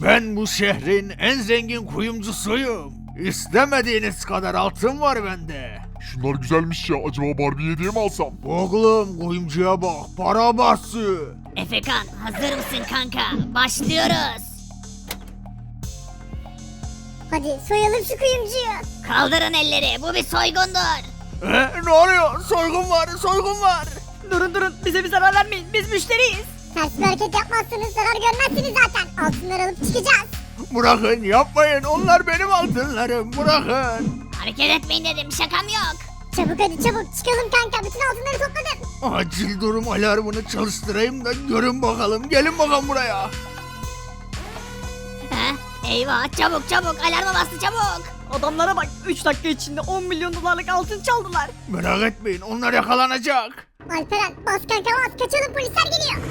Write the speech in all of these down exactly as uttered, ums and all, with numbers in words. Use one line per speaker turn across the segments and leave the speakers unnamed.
Ben bu şehrin en zengin kuyumcusuyum. İstemediğiniz kadar altın var bende.
Şunlar güzelmiş ya. Acaba Barbie hediye mi alsam?
Oğlum kuyumcuya bak, para bastı.
Efekan hazır mısın kanka? Başlıyoruz.
Hadi soyalım şu kuyumcuyu.
Kaldırın elleri, bu bir soygundur.
E, ne oluyor? Soygun var, soygun var.
Durun durun bize bir zarar vermeyin biz müşteriyiz.
Ters bir hareket yapmazsanız zarar görmezsiniz zaten. Altınları alıp çıkacağız.
Bırakın, yapmayın. Onlar benim altınlarım. Bırakın.
Hareket etmeyin dedim, şakam yok.
Çabuk hadi çabuk çıkalım kanka. Bütün altınları topladım.
Acil durum alarmını çalıştırayım da görün bakalım. Gelin bakalım buraya.
He? Eyvah, çabuk çabuk, alarma bastı çabuk.
Adamlara bak üç dakika içinde on milyon dolarlık altın çaldılar.
Merak etmeyin, onlar yakalanacak.
Alperen bas kanka bas. Kaçalım, polisler geliyor.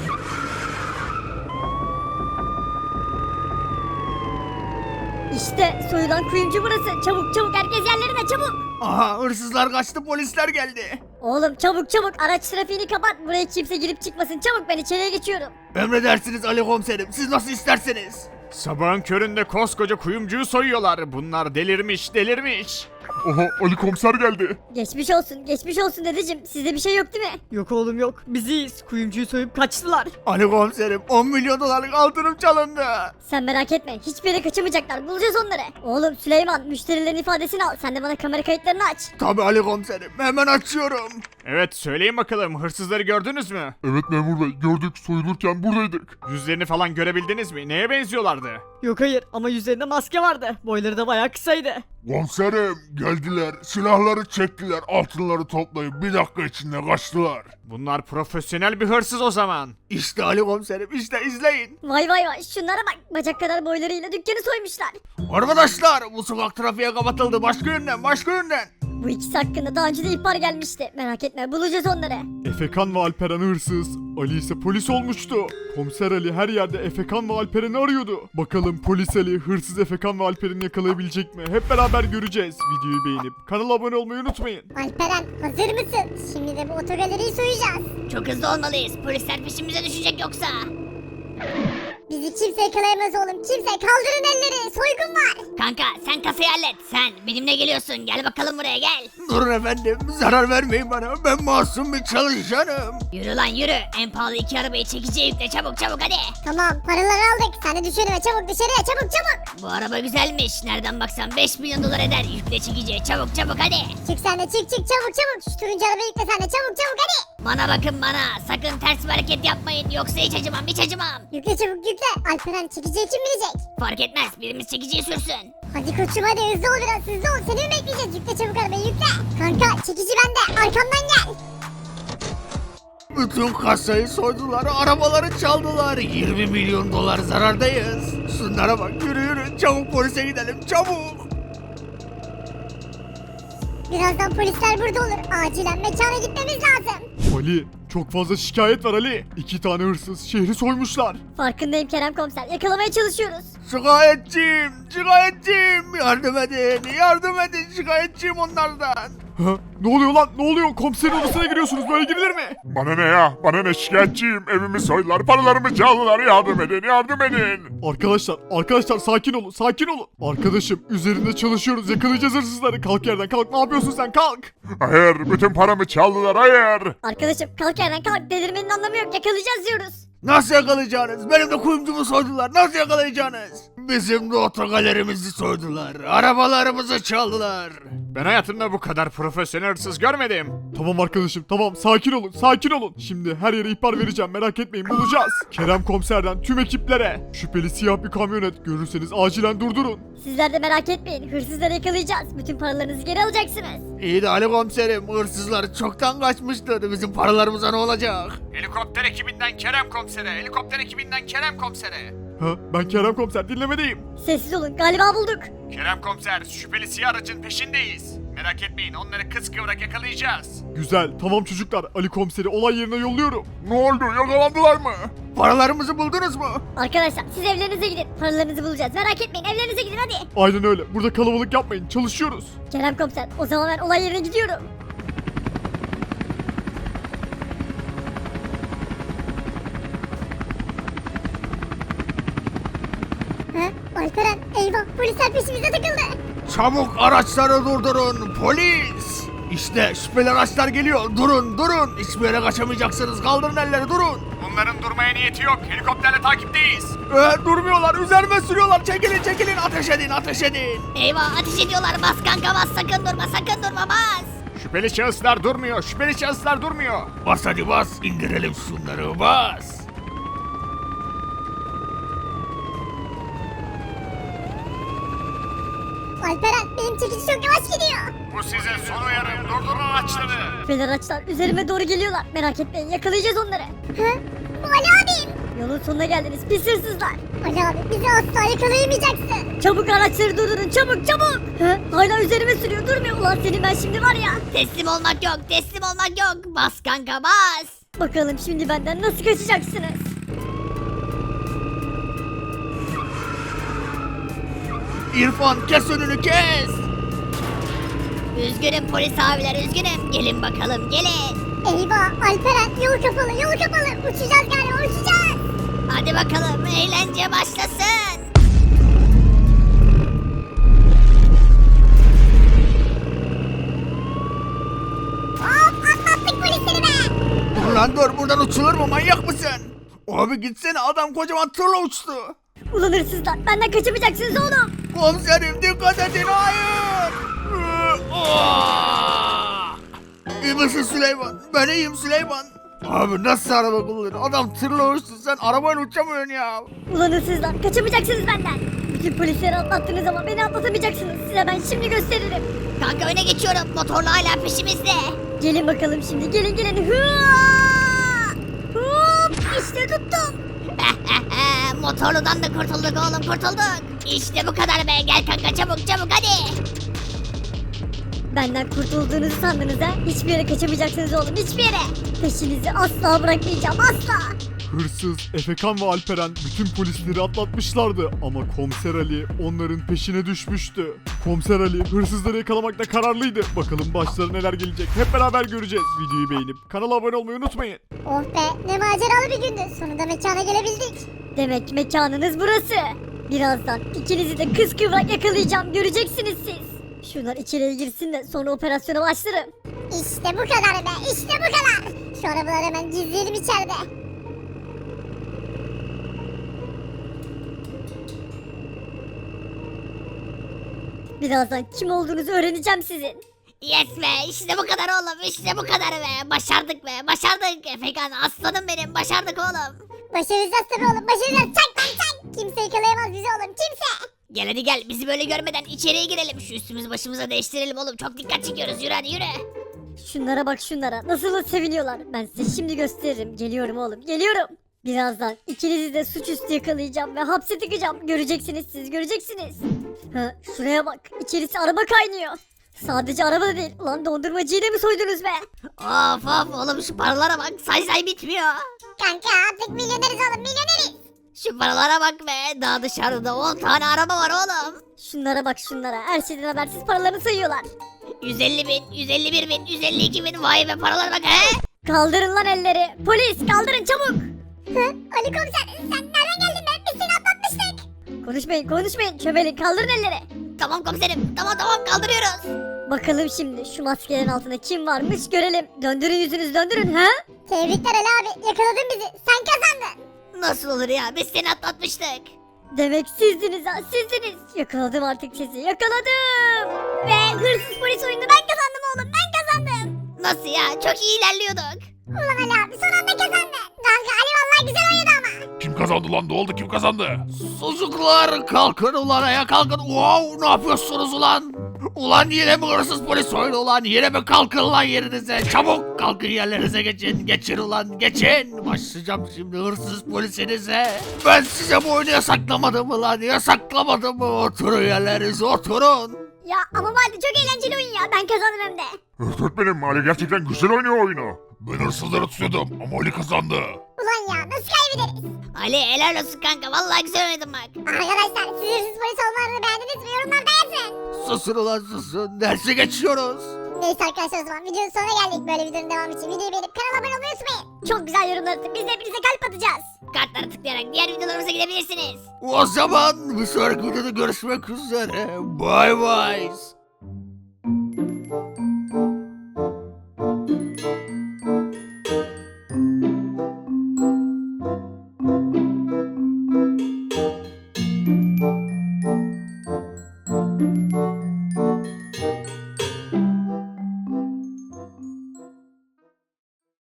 İşte soyulan kuyumcu burası. Çabuk çabuk herkes yerlerine çabuk.
Aha, hırsızlar kaçtı, polisler geldi.
Oğlum çabuk çabuk araç trafiğini kapat. Buraya kimse girip çıkmasın. Çabuk ben içeriye geçiyorum.
Emredersiniz Ali komiserim, siz nasıl isterseniz. Sabahın köründe koskoca kuyumcuyu soyuyorlar. Bunlar delirmiş, delirmiş.
Aha Ali komiser geldi.
Geçmiş olsun geçmiş olsun dedeciğim. Sizde bir şey yok değil mi?
Yok oğlum yok biz iyiyiz. Kuyumcuyu soyup kaçtılar.
Ali komiserim, on milyon dolarlık altınım çalındı.
Sen merak etme. Hiçbir yere kaçamayacaklar. Bulacağız onları. Oğlum Süleyman müşterilerin ifadesini al. Sen de bana kamera kayıtlarını aç.
Tabii Ali komiserim, hemen açıyorum. Evet, söyleyin bakalım, hırsızları gördünüz mü?
Evet memur bey, gördük, soyulurken buradaydık.
Yüzlerini falan görebildiniz mi? Neye benziyorlardı?
Yok hayır ama yüzlerinde maske vardı. Boyları da bayağı kısaydı.
Komiserim geldiler, silahları çektiler, altınları toplayıp bir dakika içinde kaçtılar.
Bunlar profesyonel bir hırsız o zaman. İşte Ali komiserim, işte izleyin.
Vay vay vay şunlara bak. Bacak kadar boylarıyla dükkanı soymuşlar.
Arkadaşlar, bu sokak trafiğe kapatıldı. Başka yönden, başka yönden.
Bu ikisi hakkında daha önce de ihbar gelmişti. Merak etme bulacağız onları.
Efekan ve Alperen hırsız, Ali ise polis olmuştu. Komiser Ali her yerde Efekan ve Alperen'i arıyordu. Bakalım polis Ali hırsız Efekan ve Alperen'i yakalayabilecek mi? Hep beraber göreceğiz. Videoyu beğenip kanala abone olmayı unutmayın.
Alperen hazır mısın? Şimdi de bu otogaleriyi soyacağız.
Çok hızlı olmalıyız, polisler peşimize düşecek yoksa.
Bizi kimse yakalayamaz oğlum. Kimse, kaldırın elleri. Soygun var.
Kanka sen kasayı hallet, sen benimle geliyorsun, gel bakalım buraya gel.
Durun efendim, zarar vermeyin bana. Ben masum bir çalışanım.
Yürü lan yürü, en pahalı iki arabayı çekiciye yükle, çabuk çabuk hadi.
Tamam, paraları aldık. Sen de düş önüme, çabuk dışarıya, çabuk çabuk.
Bu araba güzelmiş, nereden baksan beş milyon dolar eder, yükle çekiciye, çabuk çabuk hadi.
Çık sen de, çık çık, çabuk çabuk. Şu turuncu arabayı yükle sen de, çabuk çabuk hadi.
Bana bakın bana, sakın ters bir hareket yapmayın, yoksa hiç acımam hiç acımam.
Yükle çabuk yükle. Alperen çekiciye kim binecek?
Fark etmez, birimiz çekiciyi sürsün.
Hadi koçum hadi, hızlı ol biraz, hızlı ol. Seni mi bekleyeceğiz? Yükle çabuk arabayı yükle. Kanka çekici bende, arkamdan gel.
Bütün kasayı soydular, arabaları çaldılar. yirmi milyon dolar zarardayız. Şunlara bak, yürü yürü, çabuk polise gidelim, çabuk.
Birazdan polisler burada olur. Acilen mekana gitmemiz lazım.
Ali, çok fazla şikayet var Ali. İki tane hırsız şehri soymuşlar.
Farkındayım Kerem komiser. Yakalamaya çalışıyoruz.
Şikayetçiyim, şikayetçiyim. Yardım edin, yardım edin, şikayetçiyim onlardan.
Ha? Ne oluyor lan? Ne oluyor? Komiserin odasına giriyorsunuz. Böyle girilir mi? Bana ne ya? Bana ne, şikayetçiyim. Evimi soydular, paralarımı çaldılar. Yardım edin, yardım edin. Arkadaşlar, arkadaşlar sakin olun, sakin olun. Arkadaşım, üzerinde çalışıyoruz. Yakalayacağız hırsızları. Kalk yerden, kalk. Ne yapıyorsun sen? Kalk. Hayır, bütün paramı çaldılar. Hayır.
Arkadaşım kalk yerden kalk. Delirmenin anlamı yok. Yakalayacağız diyoruz.
Nasıl yakalayacaksınız? Benim de kuyumcumu soydular. Nasıl yakalayacaksınız? Bizim de otogalerimizi soydular. Arabalarımızı çaldılar. Ben hayatımda bu kadar profesyonel hırsız görmedim.
Tamam arkadaşım, tamam. Sakin olun, sakin olun. Şimdi her yere ihbar vereceğim. Merak etmeyin, bulacağız. Kerem komiserden tüm ekiplere. Şüpheli siyah bir kamyonet görürseniz acilen durdurun.
Sizler de merak etmeyin. Hırsızları yakalayacağız. Bütün paralarınızı geri alacaksınız.
İyi de Ali komiserim, hırsızlar çoktan kaçmıştır. Bizim paralarımıza ne olacak? Helikopter ekibinden Kerem komisere, helikopter ekibinden Kerem komisere.
Ha, ben Kerem komiser, dinlemedeyim.
Sessiz olun. Galiba bulduk.
Kerem komiser, şüpheli siyah aracın peşindeyiz. Merak etmeyin, onları kıskıvrak yakalayacağız.
Güzel, tamam çocuklar. Ali komiseri olay yerine yolluyorum. Ne oldu, yakalandılar mı?
Paralarımızı buldunuz mu?
Arkadaşlar siz evlerinize gidin. Paralarınızı bulacağız. Merak etmeyin. Evlerinize gidin hadi.
Aynen öyle, burada kalabalık yapmayın, çalışıyoruz.
Kerem komiser o zaman ben olay yerine gidiyorum.
Ha? Alperen eyvah polisler peşimize takıldı.
Çabuk araçları durdurun polis. İşte şüpheli araçlar geliyor. Durun durun. Hiçbir yere kaçamayacaksınız. Kaldırın elleri durun.
Bunların durmaya niyeti yok. Helikopterle takipteyiz.
Ee, durmuyorlar. Üzerime sürüyorlar. Çekilin çekilin. Ateş edin ateş edin.
Eyvah ateş ediyorlar bas kanka bas sakın durma sakın durma bas.
Şüpheli şahıslar durmuyor. Şüpheli şahıslar durmuyor.
Bas hadi bas. İndirelim şunları bas.
Alperen benim çekici çok yavaş gidiyor.
Bu sizin son uyarım. Durdurun araçları.
Şüpheli araçlar üzerime doğru geliyorlar. Merak etmeyin yakalayacağız onları.
Ha? Bu Ali abim.
Yolun sonuna geldiniz pis hırsızlar.
Ali abi bizi asla yakalayamayacaksın.
Çabuk araçları durdurun çabuk çabuk. Ha? Hala üzerime sürüyor durmuyor. Ulan senin ben şimdi var ya.
Teslim olmak yok teslim olmak yok bas kanka bas.
Bakalım şimdi benden nasıl kaçacaksınız?
İrfan kes önünü kes.
Üzgünüm polis abiler üzgünüm gelin bakalım gelin.
Eyvah Alperen yol kapalı yol kapalı. Uçacağız galiba uçacağız.
Hadi bakalım eğlence başlasın.
Hop atlattık polisleri be.
Dur lan dur. Buradan uçulur mu? Manyak mısın? Abi gitsene. Adam kocaman tırla uçtu.
Ulan hırsızlar benden kaçamayacaksınız oğlum.
Komiserim dikkat edin. Hayır. Ee, aa! İyi misin Süleyman? Ben iyiyim Süleyman. Abi nasıl araba kullanıyorsun? Adam tırla uçtu. Sen arabayla uçamıyorsun ya.
Ulan hırsızlar kaçamayacaksınız benden. Bütün polisleri atlattınız ama beni atlatamayacaksınız. Size ben şimdi gösteririm.
Kanka öne geçiyorum motorlu hala peşimizde.
Gelin bakalım şimdi gelin gelin. Hıa! Hop işte tuttum.
Motorludan da kurtulduk oğlum kurtulduk. İşte bu kadar be gel kanka çabuk çabuk hadi.
Benden kurtulduğunuzu sandınız ha? Hiçbir yere kaçamayacaksınız oğlum hiçbir yere. Peşinizi asla bırakmayacağım asla.
Hırsız, Efekan ve Alperen bütün polisleri atlatmışlardı ama Komiser Ali onların peşine düşmüştü. Komiser Ali hırsızları yakalamakta kararlıydı. Bakalım başlarına neler gelecek hep beraber göreceğiz. Videoyu beğenip kanala abone olmayı unutmayın.
Oh be ne maceralı bir gündü. Sonunda mekana gelebildik.
Demek mekanınız burası. Birazdan ikinizi de kız kıvrak yakalayacağım göreceksiniz siz. Şunlar içeriye girsin de sonra operasyona başlarım.
İşte bu kadar be işte bu kadar. Şu arabaları hemen gizleyelim içeride.
Birazdan kim olduğunuzu öğreneceğim sizin.
Yes be işte bu kadar oğlum işte bu kadar be. Başardık be başardık. Efekan aslanım benim başardık oğlum.
Başaracağız tabii oğlum başaracağız. Çak lan çak. Kimse yakalayamaz bizi oğlum kimse.
Gel hadi gel bizi böyle görmeden içeriye girelim. Şu üstümüzü başımıza değiştirelim oğlum. Çok dikkat çekiyoruz yürü hadi yürü.
Şunlara bak şunlara nasıl da seviniyorlar. Ben size şimdi gösteririm. Geliyorum oğlum geliyorum. Birazdan ikinizi de suçüstü yakalayacağım ve hapse tıkacağım. Göreceksiniz siz göreceksiniz. Ha, şuraya bak içerisi araba kaynıyor. Sadece araba da değil. Ulan dondurmacıyı da mı soydunuz be?
Of of oğlum şu paralara bak say say bitmiyor.
Kanka artık milyoneriz oğlum milyoneriz.
Şu paralara bak be daha dışarıda on tane araba var oğlum.
Şunlara bak şunlara. Her şeyden habersiz paralarını sayıyorlar.
yüz elli bin, yüz elli bir bin, yüz elli iki bin vay be paralara bak he.
Kaldırın lan elleri. Polis kaldırın çabuk.
Hı? Ali komiser sen nereden geldin be? Biz seni atlatmıştık.
Konuşmayın konuşmayın. Çömelin kaldırın elleri.
Tamam komiserim tamam tamam kaldırıyoruz.
Bakalım şimdi şu maskelerin altında kim varmış görelim. Döndürün yüzünüzü döndürün ha.
Tebrikler Ali abi yakaladın bizi. Sen kazandın.
Nasıl olur ya biz seni atlatmıştık.
Demek sizdiniz ha sizdiniz. Yakaladım artık sizi yakaladım. Ve hırsız polis oyununu ben kazandım oğlum ben kazandım.
Nasıl ya çok iyi ilerliyorduk.
Ulan Ali abi son anda kazandın. Kanka Ali vallahi güzel oynadı ama.
Kim kazandı lan? Ne oldu? Kim kazandı? Sucuklar kalkın ulan ayağa kalkın. Wow ne yapıyorsunuz ulan? Ulan yine mi hırsız polis oyunu ulan? Yine mi kalkın lan yerinize? Çabuk kalkın yerlerinize geçin. Geçin ulan geçin. Başlayacağım şimdi hırsız polisinize. Ben size bu oyunu yasaklamadım mı lan? Yasaklamadım mı? Oturun yerlerinize oturun.
Ya ama vardı çok eğlenceli oyun ya ben kazandım hem de.
Öğretmenim Ali gerçekten güzel oynuyor oyunu.
Ben hırsızları tutuyordum ama Ali kazandı.
Ulan ya nasıl kaybederiz?
Ali helal olsun kanka vallahi güzel oynadın bak.
Arkadaşlar siz hırsız polis olmalarını beğendiniz mi? Yorumlarda yazın.
Susun ulan susun. Derse geçiyoruz.
Neyse arkadaşlar o zaman videonun sonuna geldik. Böyle videonun devamı için videoyu beğenip kanala abone olmayı unutmayın.
Çok güzel yorumlar atın. Biz de hepinize kalp atacağız.
Kartlara tıklayarak diğer videolarımıza gidebilirsiniz.
O zaman bir sonraki videoda görüşmek üzere. Bay bay.